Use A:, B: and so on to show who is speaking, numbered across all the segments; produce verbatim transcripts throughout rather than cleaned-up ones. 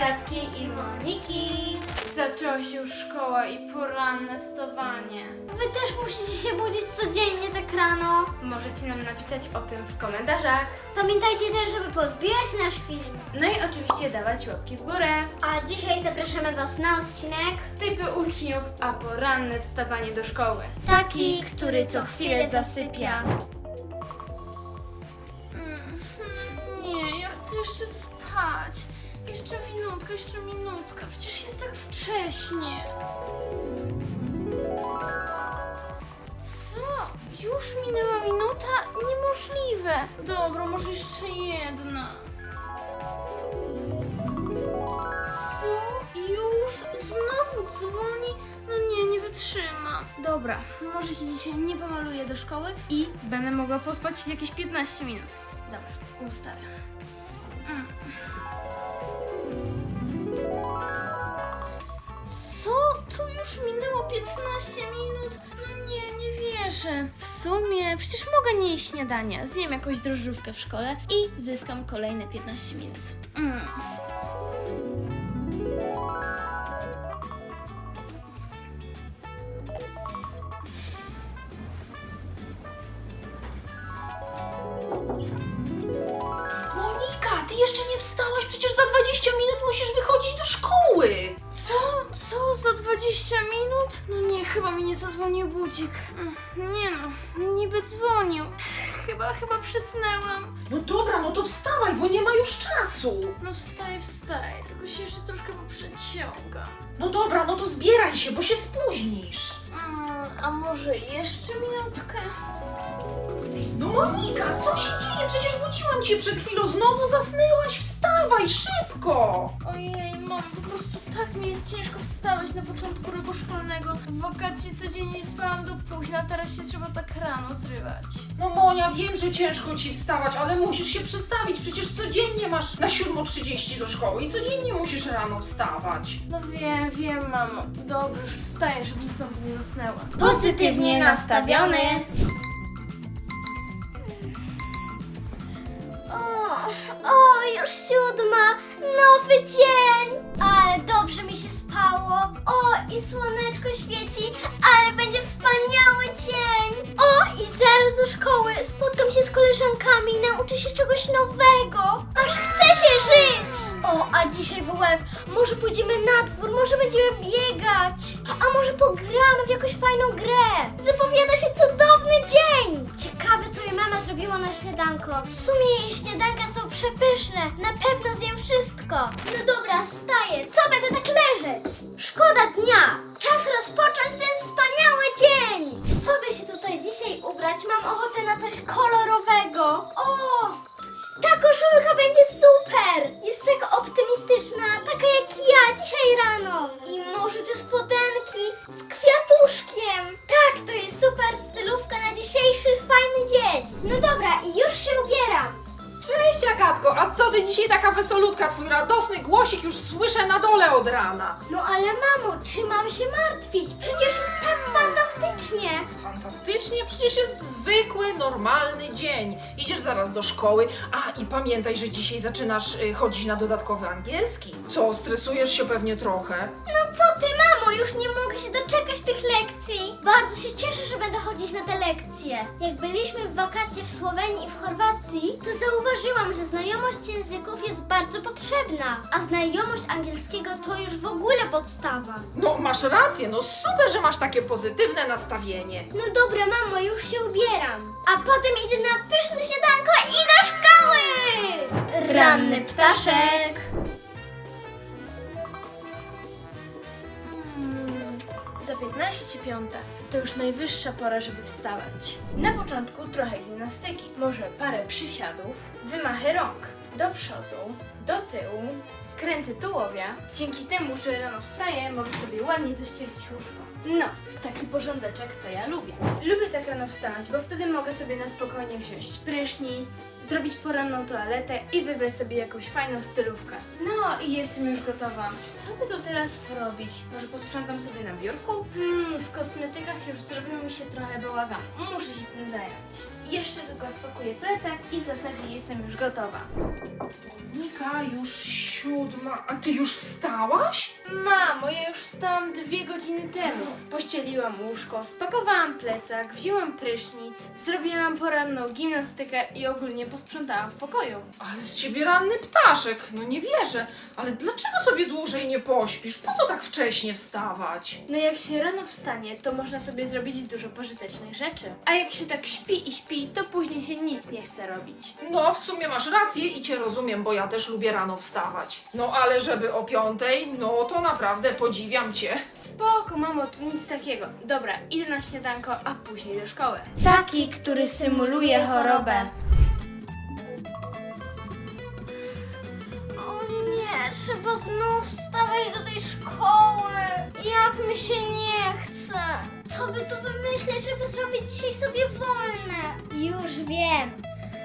A: Agatki i Moniki. Zaczęła się już szkoła i poranne wstawanie.
B: Wy też musicie się budzić codziennie tak rano.
A: Możecie nam napisać o tym w komentarzach.
B: Pamiętajcie też, żeby podbijać nasz film.
A: No i oczywiście dawać łapki w górę.
B: A dzisiaj zapraszamy Was na odcinek
A: Typy uczniów, a poranne wstawanie do szkoły.
B: taki,
A: który co chwilę zasypia. Nie, ja chcę jeszcze spać. Jeszcze minutka, jeszcze minutka. Przecież jest tak wcześnie. Co? Już minęła minuta? Niemożliwe. Dobra, może jeszcze jedna. Co? Już? Znowu dzwoni? No nie, nie wytrzymam. Dobra, może się dzisiaj nie pomaluję do szkoły i będę mogła pospać jakieś piętnaście minut. Dobra, ustawiam. Mm. Co? To już minęło piętnaście minut? No nie, nie wierzę. W sumie przecież mogę nie jeść śniadania. Zjem jakąś drożdżówkę w szkole i zyskam kolejne piętnaście minut. Mm.
C: Monika, ty jeszcze nie wstałaś, przecież za dwadzieścia minut musisz wychodzić do szkoły.
A: Co? Co? Za dwadzieścia minut? No nie, chyba mi nie zadzwonił budzik. Mm, Nie no, niby dzwonił. Chyba, chyba przysnęłam.
C: No dobra, no to wstawaj, bo nie ma już czasu.
A: No wstaję, wstaję, tylko się jeszcze troszkę poprzeciągam.
C: No dobra, no to zbieraj się, bo się spóźnisz.
A: Mm, a może jeszcze minutkę?
C: No Monika, co się dzieje? Przecież budziłam cię przed chwilą, znowu zasnęłaś, wstawaj, szybko.
A: Ojej, mam po prostu tak mi jest ciężko wstawać na początku roku szkolnego. W wakacje codziennie spałam do późna, a teraz się trzeba tak rano zrywać.
C: No Monia, wiem, że ciężko ci wstawać, ale musisz się przestawić, przecież codziennie masz na siódma trzydzieści do szkoły i codziennie musisz rano wstawać.
A: No wiem, wiem, mamo. Dobrze, już wstaję, żebym znowu nie zasnęła.
B: pozytywnie nastawiony. O, o, już siódma, nowy dzień. Ale dobrze mi się spało. O, i słoneczko świeci, ale będzie wspaniały dzień. O, i zaraz do szkoły spotkam się z koleżankami, nauczę się czegoś nowego. Aż chce się żyć. O, a dzisiaj w W F może pójdziemy na dwór, może będziemy biegać. A może pogramy w jakąś fajną grę. Zapowiada się cudowny dzień. Ciekawe, co jej mama zrobiła na śniadanko. W sumie jej śniadanka są przepyszne. Na pewno zjem wszystko. No dobra, wstaję. Co będę tak leżeć? Szkoda dnia. Czas rozpocząć ten wspaniały dzień. Co by się tutaj dzisiaj ubrać? Mam ochotę na coś kolorowego. O! Ta koszulka będzie super! Jest taka optymistyczna, taka jak ja dzisiaj rano. I może te spodenki z kwiatuszkiem. Tak, to jest super stylówka na dzisiejszy fajny dzień. No dobra, i już się ubieram.
C: Cześć Agatko, a co ty dzisiaj taka wesolutka? Twój radosny głosik już słyszę na dole od rana.
B: No ale mamo, czy mam się martwić? Przecież jest tak fantastycznie.
C: Fantastycznie, przecież jest zwykły, normalny dzień. Idziesz zaraz do szkoły, a i pamiętaj, że dzisiaj zaczynasz y, chodzić na dodatkowy angielski. Co, stresujesz się pewnie trochę?
B: No co ty, mamo, już nie mogę się doczekać tych lekcji. Bardzo się cieszę, że będę chodzić na te lekcje. Jak byliśmy w wakacje w Słowenii i w Chorwacji, to zauważyłam, że znajomość języków jest bardzo potrzebna, a znajomość angielskiego to już w ogóle podstawa.
C: No masz rację, no super, że masz takie pozytywne nastawienie.
B: No dobra, mamo, już się ubieram. A potem idę na pyszne śniadanko i do szkoły! Ranny ptaszek.
A: Mm, za piętnaście piąta to już najwyższa pora, żeby wstawać. Na początku trochę gimnastyki, może parę przysiadów, wymachy rąk do przodu, do tyłu, skręty tułowia. Dzięki temu, że rano wstaję, mogę sobie ładnie zaścielić łóżko. No, taki porządeczek to ja lubię. Lubię tak rano wstawać, bo wtedy mogę sobie na spokojnie wziąć prysznic, zrobić poranną toaletę i wybrać sobie jakąś fajną stylówkę. No i jestem już gotowa. Co by tu teraz porobić? Może posprzątam sobie na biurku? Hmm, w kosmetykach już zrobił mi się trochę bałagan. Muszę się tym zająć. Jeszcze tylko spakuję plecak i w zasadzie jestem już gotowa.
C: Monika, już Siódma. A ty już wstałaś?
A: Mamo, ja już wstałam dwie godziny temu. Pościeliłam łóżko, spakowałam plecak, wzięłam prysznic, zrobiłam poranną gimnastykę i ogólnie posprzątałam w pokoju.
C: Ale z ciebie ranny ptaszek. No nie wierzę. Ale dlaczego sobie dłużej nie pośpisz? Po co tak wcześnie wstawać?
A: No jak się rano wstanie, to można sobie zrobić dużo pożytecznych rzeczy. A jak się tak śpi i śpi, to później się nic nie chce robić.
C: No, w sumie masz rację i cię rozumiem, bo ja też lubię rano wstawać. No, ale żeby o piątej, no to naprawdę podziwiam cię.
A: Spoko, mamo, tu nic takiego. Dobra, idę na śniadanko, a później do szkoły. Taki, który symuluje chorobę.
B: O nie, trzeba znów wstawać do tej szkoły. Jak mi się nie chce. Co by tu wymyśleć, żeby zrobić dzisiaj sobie wolne? Już wiem.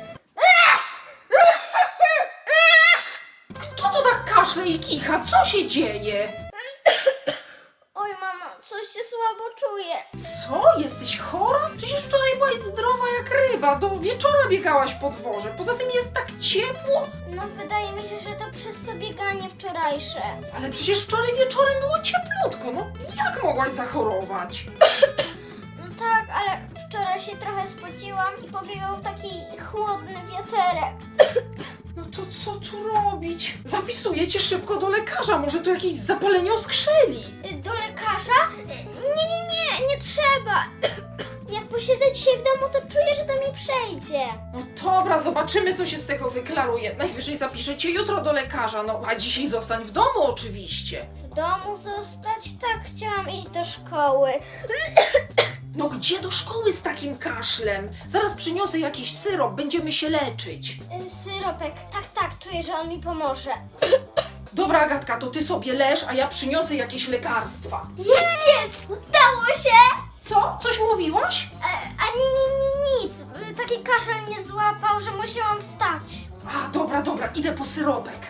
C: Kto to tak kaszle i kicha? Co się dzieje?
B: Oj, mamo, coś się słabo czuję.
C: Co? Jesteś chora? Przecież wczoraj byłaś zdrowa jak ryba. Do wieczora biegałaś po dworze. Poza tym jest tak ciepło.
B: No, wydaje mi się, że to przez to bieganie wczorajsze.
C: Ale przecież wczoraj wieczorem było cieplutko. No jak mogłaś zachorować?
B: No tak, ale wczoraj się trochę spociłam i powiewał taki chłodny wiaterek.
C: No to co tu robić? Zapisuję cię szybko do lekarza. Może to jakieś zapalenie oskrzeli.
B: Y, Do lekarza? Y, Nie, nie, nie, nie trzeba. Jak posiedzę dzisiaj w domu, to czuję, że to mi przejdzie.
C: No dobra, zobaczymy, co się z tego wyklaruje. Najwyżej zapiszę cię jutro do lekarza. No a dzisiaj zostań w domu oczywiście.
B: W domu zostać? Tak, chciałam iść do szkoły.
C: No gdzie do szkoły z takim kaszlem? Zaraz przyniosę jakiś syrop, będziemy się leczyć.
B: Y, Syropek, tak, tak, czuję, że on mi pomoże.
C: Dobra, Agatka, to ty sobie leż, a ja przyniosę jakieś lekarstwa.
B: Jest, jest! Udało się!
C: Co? Coś mówiłaś?
B: E, a nie, nie, nie, nic. Y, Taki kaszel mnie złapał, że musiałam wstać.
C: A, dobra, dobra, idę po syropek.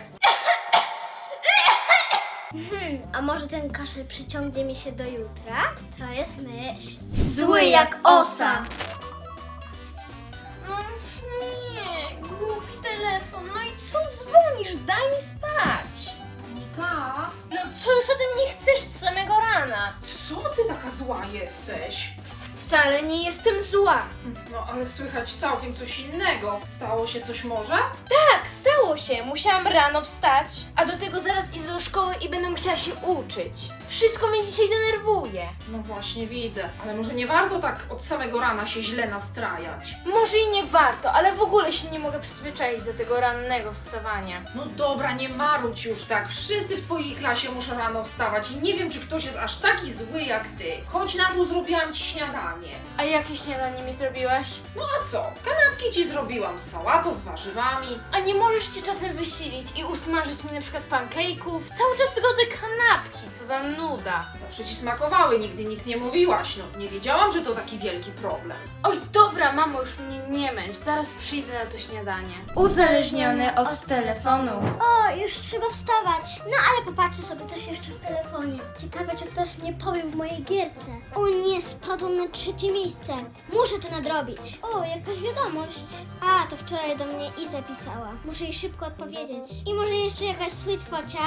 B: Hmm, a może ten kaszel przyciągnie mi się do jutra? To jest myśl.
A: Zły jak osa. No nie, głupi telefon. No i co dzwonisz? Daj mi spać.
C: Monika,
A: No co już ode mnie chcesz z samego rana?
C: co ty taka zła jesteś?
A: Wcale nie jestem zła.
C: No ale słychać całkiem coś innego. Stało się coś może?
A: Tak, stało się. Musiałam rano wstać, a do tego zaraz idę do szkoły i będę musiała się uczyć. Wszystko mnie dzisiaj denerwuje.
C: No właśnie widzę, ale może nie warto tak od samego rana się źle nastrajać.
A: Może i nie warto, ale w ogóle się nie mogę przyzwyczaić do tego rannego wstawania.
C: No dobra, nie marudź już tak. Wszyscy w twojej klasie muszą rano wstawać i nie wiem, czy ktoś jest aż taki zły jak ty. Chodź na dół, zrobiłam ci śniadanie.
A: A jakie śniadanie mi zrobiłaś?
C: No a co? Kanapki ci zrobiłam z sałatą, z warzywami.
A: A nie możesz się czasem wysilić i usmażyć mi na przykład pancake'ów? Cały czas tylko te kanapki, co za nuda.
C: Zawsze ci smakowały, nigdy nic nie mówiłaś. No nie wiedziałam, że to taki wielki problem.
A: Oj, dobra, mamo, już mnie nie męcz, zaraz przyjdę na to śniadanie. Uzależniony od telefonu.
B: O, już trzeba wstawać. No ale popatrzę sobie coś jeszcze w telefonie. Ciekawe, czy ktoś mnie pobił w mojej gierce. O nie, spadłam na trzecie miejsce. Muszę to nadrobić. O, jakaś wiadomość. A, to wczoraj do mnie Iza pisała. Muszę jej szybko odpowiedzieć. I może jeszcze jakaś sweet focia?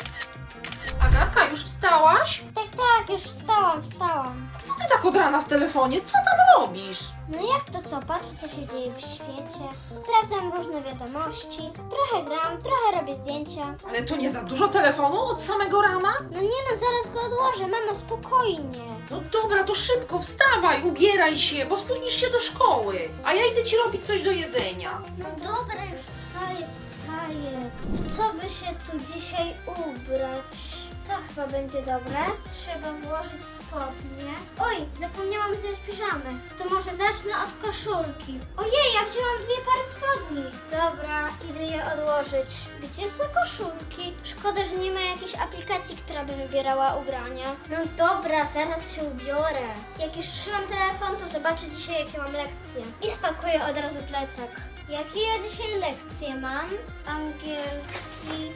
C: Agatka, już wstałaś?
B: Tak, tak, już wstałam, wstałam.
C: Co ty tak od rana w telefonie? Co tam robisz?
B: No jak to co? Patrzę, co się dzieje w świecie. Sprawdzam różne wiadomości. Trochę gram, trochę robię zdjęcia.
C: Ale to nie za dużo telefonu od samego rana?
B: No nie no, zaraz go odłożę, mamo, spokojnie.
C: No dobra, to szybko wstawaj, ubieraj się, bo spóźnisz się do szkoły. A ja idę ci robić coś do jedzenia.
B: No dobra, już wstaję, wstaję. W co by się tu dzisiaj ubrać? To chyba będzie dobre. Trzeba włożyć spodnie. Oj, zapomniałam wziąć piżamy. To może zacznę od koszulki. Ojej, ja wzięłam dwie pary spodni. Dobra, idę je odłożyć. Gdzie są koszulki? Szkoda, że nie ma jakiejś aplikacji, która by wybierała ubrania. No dobra, zaraz się ubiorę. Jak już trzymam telefon, to zobaczę dzisiaj, jakie mam lekcje. I spakuję od razu plecak. Jakie ja dzisiaj lekcje mam? Angielski,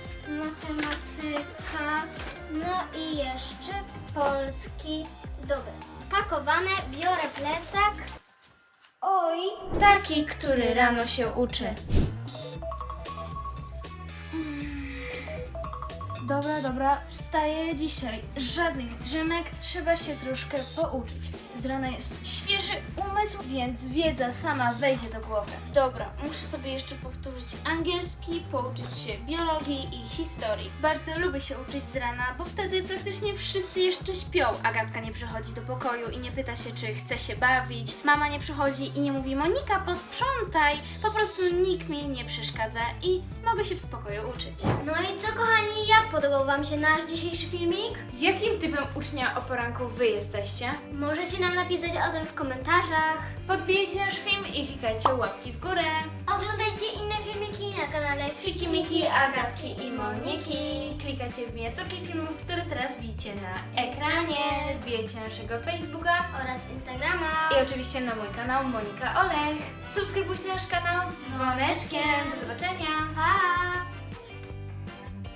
B: matematyka, no i jeszcze polski. Dobra, spakowane, biorę plecak. Oj,
A: Taki, który rano się uczy. Dobra, dobra, wstaję dzisiaj. Żadnych drzymek, trzeba się troszkę pouczyć. Z rana jest świeży umysł, więc wiedza sama wejdzie do głowy. Dobra, muszę sobie jeszcze powtórzyć angielski, pouczyć się biologii i historii. Bardzo lubię się uczyć z rana, bo wtedy praktycznie wszyscy jeszcze śpią. Agatka nie przychodzi do pokoju i nie pyta się, czy chce się bawić. Mama nie przychodzi i nie mówi: Monika, posprzątaj. Po prostu nikt mi nie przeszkadza i mogę się w spokoju uczyć.
B: No i co, kochani, jak podobał Wam się nasz dzisiejszy filmik?
A: Jakim typem ucznia o poranku wy jesteście?
B: Możecie nam napisać o tym w komentarzach.
A: Podbijcie nasz film i klikajcie łapki w górę.
B: Oglądajcie inne filmiki na kanale
A: Fiki, Miki, Agatki i Moniki. Klikajcie w miniaturki filmów, które teraz widzicie na ekranie. Wbijajcie naszego Facebooka
B: oraz Instagrama.
A: i oczywiście na mój kanał Monika Olech. Subskrybujcie nasz kanał z dzwoneczkiem. Do zobaczenia.
B: Pa!